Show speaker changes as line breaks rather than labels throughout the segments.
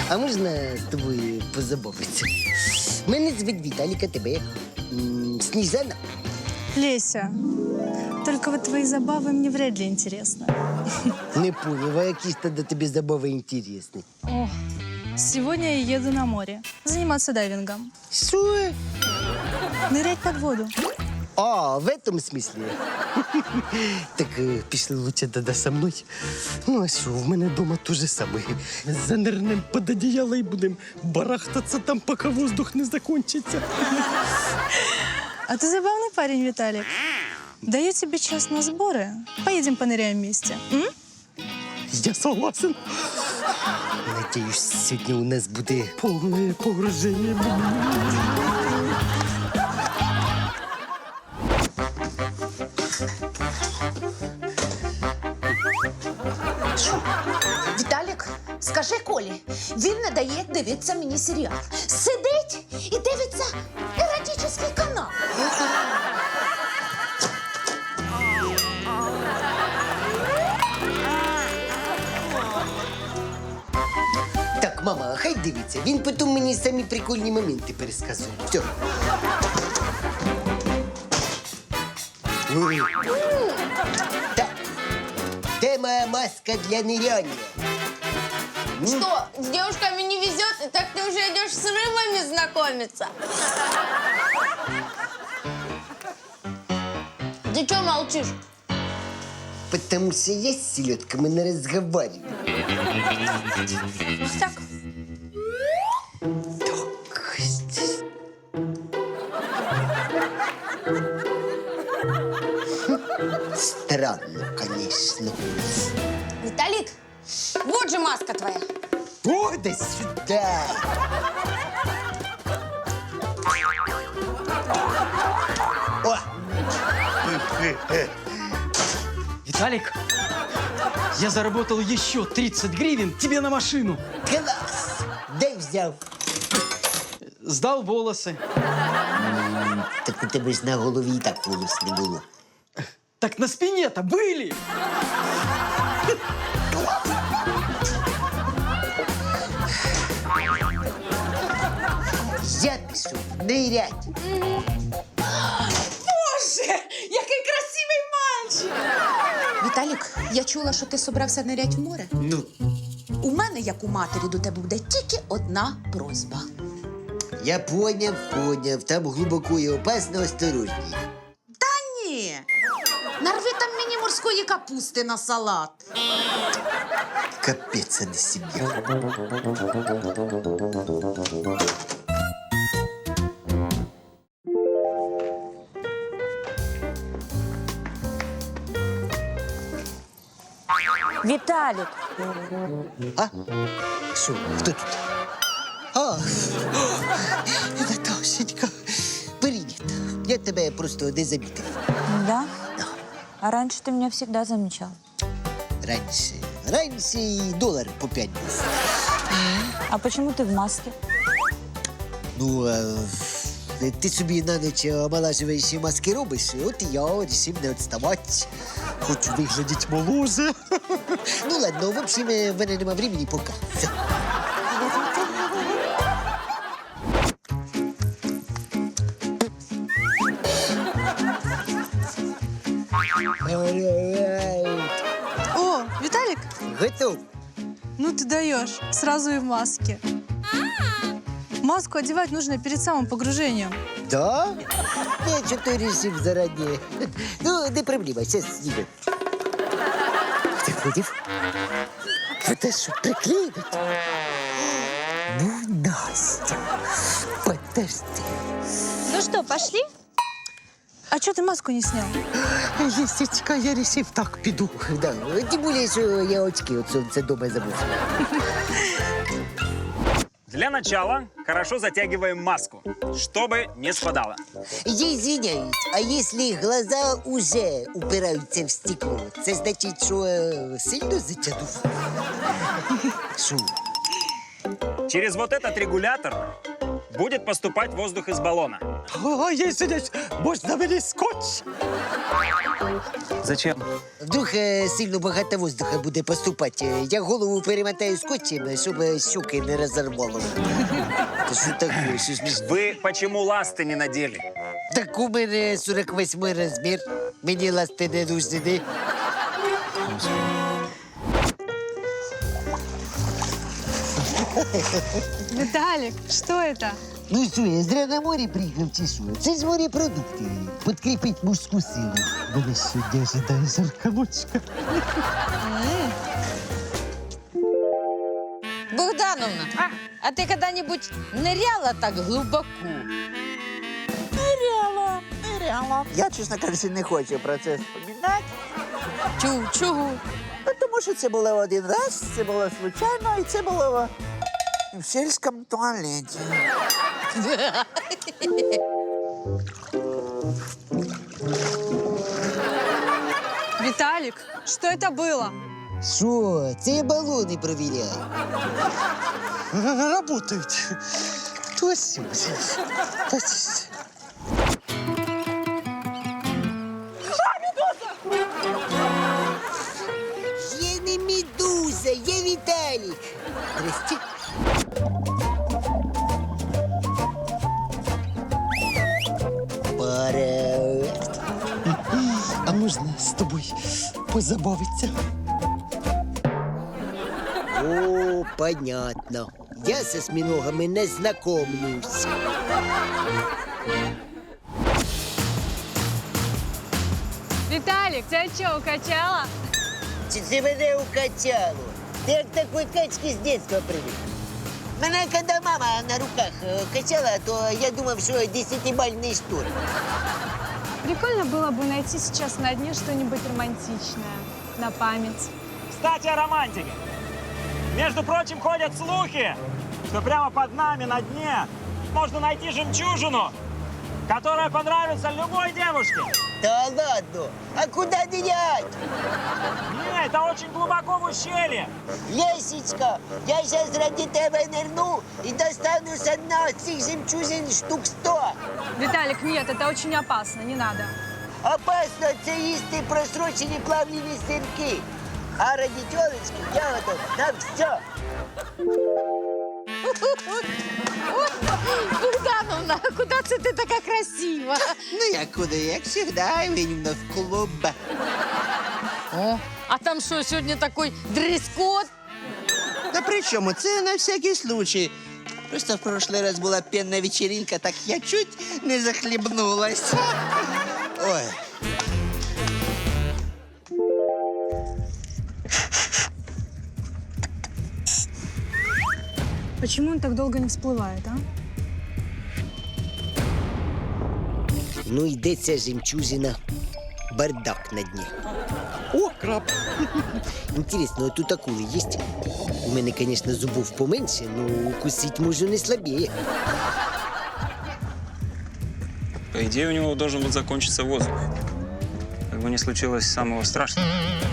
А можна з тобою позабавитися? Мене звуть Віталік, а тебе як? Сніжана?
Леся, только вот твои забавы мне вряд ли интересны.
Не понял, а які ж тоді тобі забави інтересні?
О, сегодня я еду на море. Заниматься дайвингом.
Що?
Нырять под воду.
А, в этом смысле? Так пішли лучше тоді со мною. Ну, а що, в мене вдома те же саме. Занирнем під одіяло і будемо барахтатися там, поки воздух не закончиться.
А ты забавный парень, Виталик. Даю тебе час на сборы. Поедем поныряем вместе. М?
Я согласен. Надеюсь, сьогодні у нас буде повне погруження.
Віталік, скажи Колі, він не дає дивитися мені серіал. Сидить і дивиться еротичний канал.
Так, мама, хай дивиться. Він потім мені самі прикольні моменти пересказує. Все. Так. Де моя маска для ныряния?
Что, с девушками не везет, и так ты уже идешь с рыбами знакомиться? Ты что молчишь?
Потому что я с селедками не разговариваю.
Так.
Так. Странно, конечно.
Виталик, вот же маска твоя.
О, да сюда! О!
Виталик, я заработал еще 30 гривен тебе на машину.
Класс! Дай взял.
Сдал волосы.
Так у тебе ж на голові і так волос не було.
Так на спине-то были.
Я пишу нырять.
Боже, який красивий мальчик! Віталік, я чула, що ти собрався нирять в море.
Ну,
У мене, як у матері, до тебе буде тільки одна просьба.
я поняв. Там глибоко і опасно, осторожній.
Та ні. Нарви там мені морської капусти на салат.
Капець, а не сім'я.
Виталик,
А? Що, хто тут? А, Наташенька, привіт. Я тебе просто не замітив.
да? А раньше ты меня всегда замечал.
Раніше і долар по 5 був.
А почему ты в маске?
Ну, ти собі на ніч омолажуючі маски робиш, от і я вирішив не відставати. Хочу виглядати моложе. Ну ладно, в общем, в мене нема времени пока. Все.
О, Виталик,
Готов.
ну ты даешь. Сразу и в маске. Маску одевать нужно перед самым погружением.
Да? Я что-то решил заранее. Ну, не проблема, сейчас снимем. Ты против? Это что, приклеивать? Ну, Настя, подожди.
Ну что, пошли?
А что ты маску не снял?
Лисичка, я решил так піду. Да, тем более, что я очки от солнца дома забыл.
Для начала хорошо затягиваем маску, чтобы не спадала.
Я извиняюсь, а если глаза уже упираются в стекло, це значить, що сильно затягнув? Що?
Через вот этот регулятор будет поступать воздух из баллона.
О, извиняюсь, можна мені скотч?
Зачем?
Вдруг сильно багато воздуха буде поступати. Я голову перемотаю скотчем, щоб щуки не розорвало. Та що таке? Що ж мені-
Вы почему ласты не надели?
Так у мене 48 розмір. Мені ласти не нужні.
Виталик, что это?
Ну що, я зря на морі приїхав чи що? Це ж морепродукти. Підкріпить мужську силу. Мене сьогодні ожидає жарка ночка.
Богдановна, а ты когда-нибудь ныряла так глубоко?
Ныряла. Я, чесно кажучи, не хочу про це вспоминати.
Чого?
Ну, тому що це було один раз, це було случайно, і це було в сільському туалеті.
Виталик, что это было?
Що? Це я балони провіряю. Работають. Точно. Я не медуза, я Віталік. Здрасте. Привет. А можна з тобою позабавитися? О, понятно. Я со осьминогами не знакомлюсь.
Виталик, тебя что, укачало?
Чи це мене укачало? Ти як такої качки з дитинства привик. Мене, коли мама на руках качала, то я думав, що 10-бальний штурм.
Прикольно было бы найти сейчас на дне что-нибудь романтичное. На память.
Кстати, о романтике. Между прочим, ходят слухи, что прямо под нами на дне можно найти жемчужину, которая понравится любой девушке.
Та ладно, а куди нырять?
Не, это очень глубоко в ущелье.
Лесечка, я зараз ради тебе нирну і достану з одного цих жемчужин штук 100.
Виталик, нет, это очень опасно, не надо.
Опасно це їсти просрочені плавлені сирки. А ради тілочки я готов на все.
Богдановна, куди це ти така красива?
Ну, як куди, як завжди, винівно в клуб.
О, а там що, сьогодні такий дрес-код?
Та при чому? Це на всякий случай. Просто в прошлый раз була пенна вечеринка, так я чуть не захлебнулась. Ой.
Почему он так долго не всплывает, а?
Ну, йде ця жемчужина. Бардак на дні. О, краб! Інтересно, а тут акули є? У мене, звісно, зубов поменше, но укусить можу не слабее.
По идее, у него должен был закончиться воздух. Как бы не случилось самого страшного.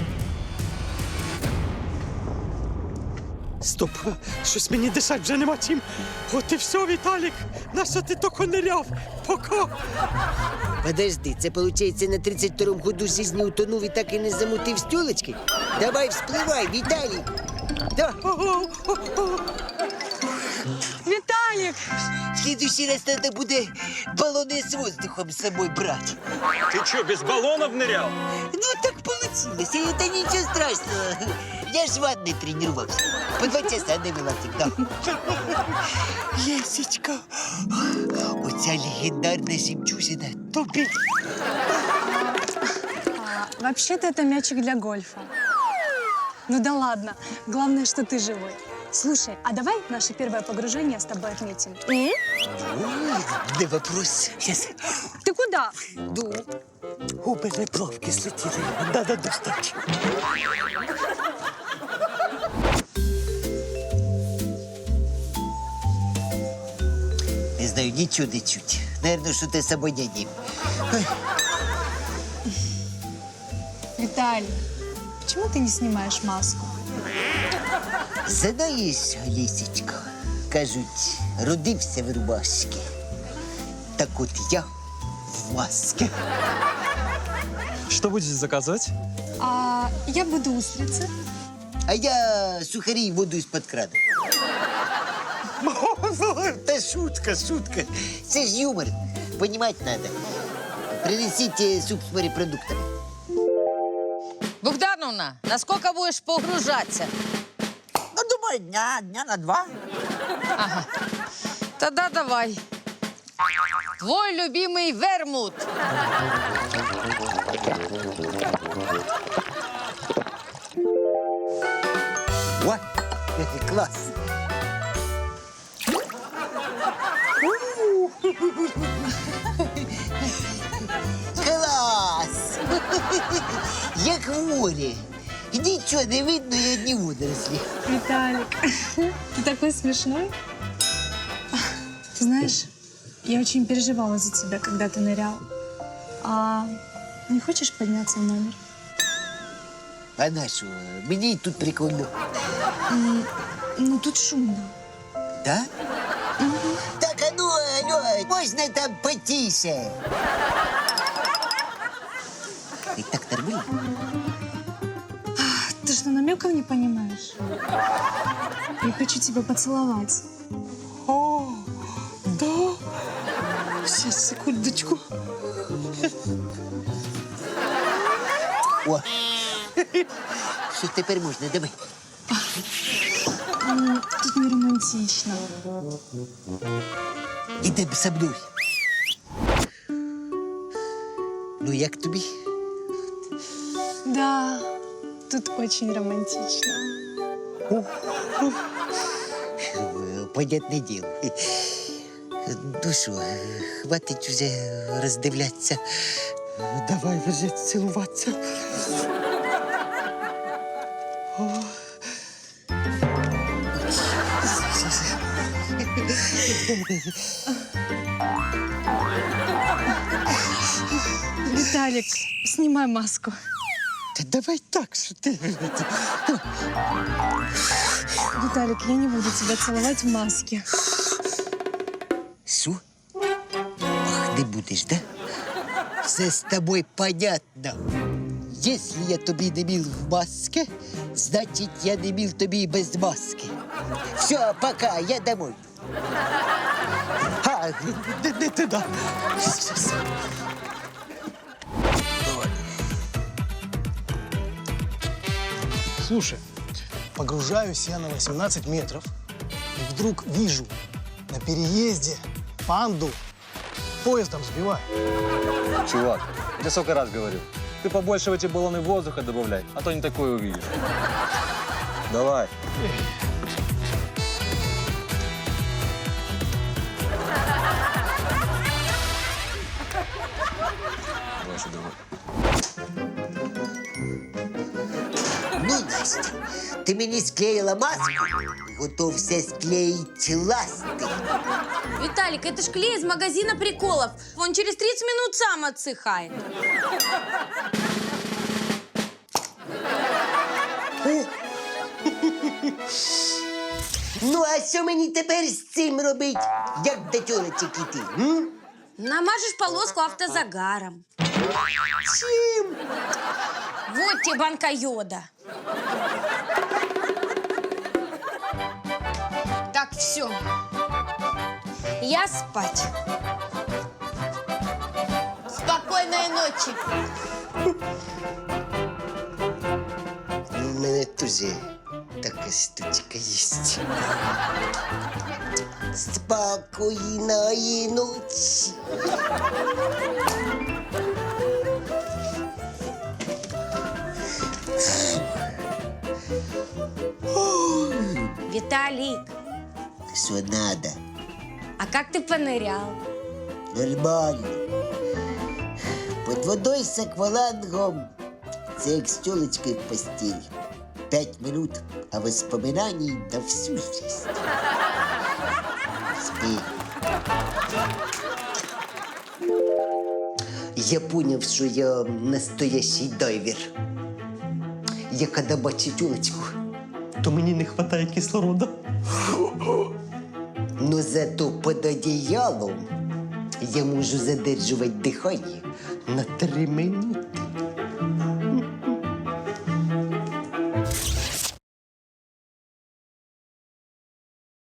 Стоп, щось мені дишать вже нема чим. От і все, Віталік. Нащо ти тільки ниряв? Пока.
Подожди, це, виходить, на 32-му году жизни утонув і так і не замутив стілочки? Давай, вспливай, Віталій! Да.
Виталик!
В следующий раз надо буде балони з воздухом з собою брати.
Ты что, без баллонов нырял?
Ну, так получилось, и это ничего страшного. Я ж в ванной тренировался. По 2 часа навела всегда. Лесечка, оця легендарна жемчужина топить.
Вообще-то это мячик для гольфа. Ну да ладно, главное, что ты живой. Слушай, а давай наше первое погружение с тобой отметим?
Ой, не вопрос. Сейчас.
Ты куда?
Ну,
У мене плавки слетіли. Надо достати.
не знаю, ничего не чуть. Наверное, что-то с обонянием.
Виталий, почему ты не снимаешь маску?
Знаешь, Лисечка, кажуть, родився в рубашці. Так от я в маске.
Что будете заказывать?
А я буду устрицы.
А я сухарі і воду із-під крана. Та шутка, шутка. Це ж юмор. Понімати треба. Принесіть суп з морепродуктами.
Богдановна, насколько будешь погружаться?
Ну, думаю, дня на 2.
Ага. Тогда давай. Твой любимый вермут.
О, клас. Клас! Як в морі. Нічого не видно, і одні водорослі.
Виталик, ты такой смешной. Ты знаешь, я очень переживала за тебя, когда ты нырял. А не хочешь подняться в номер?
А на що? Мені і тут прикольно.
Ну, тут шумно.
Да? Так, а ну, алло, можна там потише? І так нормально?
Ты что, намеков не понимаешь? Я хочу тебя поцеловать.
О, да? Сейчас, секундочку.
О, що тепер можна? Давай.
Тут не романтично.
Ідемо со мною. Ну, як тобі?
Да, тут очень романтично.
Понятне діло. Ну що, хватить уже роздивлятися.
Давай вже цілуватися.
Виталик, снимай маску.
Та давай так, що ти.
Виталик, я не буду тебя целовать в маске.
Що? Ах, не будеш, да? Все з тобою понятно. Якщо я тобі не міл в маске, значить я не міл тобі і без маски. Все, пока, я домой.
А, не туди.
Щас.
Слушай, погружаюсь я на 18 метров, и вдруг вижу на переезде панду поездом сбивают.
Чувак, я тебе сколько раз говорил. Ты побольше в эти баллоны воздуха добавляй, а то не такое увидишь. Давай. Давай сюда.
Ну, Настя, ти мені склеїла маску, готовся склеїть ласти.
Виталик, это ж клей из магазина приколов. Он через 30 минут сам отсыхает.
Ну, а що мені тепер з цим робить? Як до тьолочок іти?
Намажешь полоску автозагаром.
Чим?
Вот тебе банка йода. Так, все. Я спать. Спокойной ночи.
У мене теж така штучка є. Спокійної ночі.
Виталик,
Що надо?
а как ты понырял?
Нормально. Под водой з аквалангом. Це як з тёлочкой в постель. 5 минут, а воспоминаний на всю жизнь. Спи. Я понял, що я настоящий дайвер. Я коли бачу тёлочку,
То мені не вистачає кислорода.
зато під одіялом я можу задержувати дихання на 3 минути.